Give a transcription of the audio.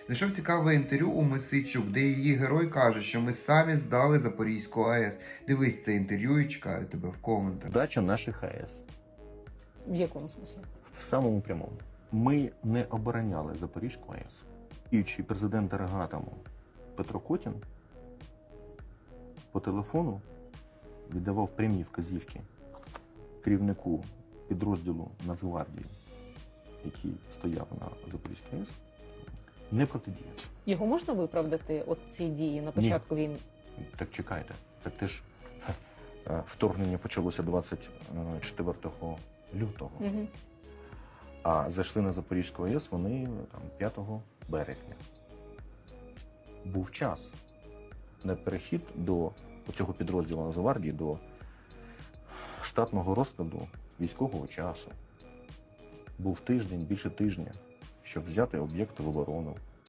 Знайшов цікаве інтерв'ю у Мосійчук, де її герой каже, що ми самі здали Запорізьку АЕС. Дивись це інтерв'ю і чекаю тебе в коментах. Здача наших АЕС. В якому смислі? В самому прямому. Ми не обороняли Запорізьку АЕС. Діючий президент Енергоатому Петро Котін по телефону віддавав прямі вказівки керівнику підрозділу Нацгвардії, який стояв на Запорізькій АЕС, не протидіяти. Його можна виправдати, от ці дії на початку війни? Так чекайте, так теж вторгнення почалося 24 лютого, а зайшли на Запорізьку АЕС вони там 5 березня. Був час на перехід до цього підрозділу Нацгвардії, до штатного розкладу військового часу. Був тиждень, більше тижня, щоб взяти об'єкти в оборону,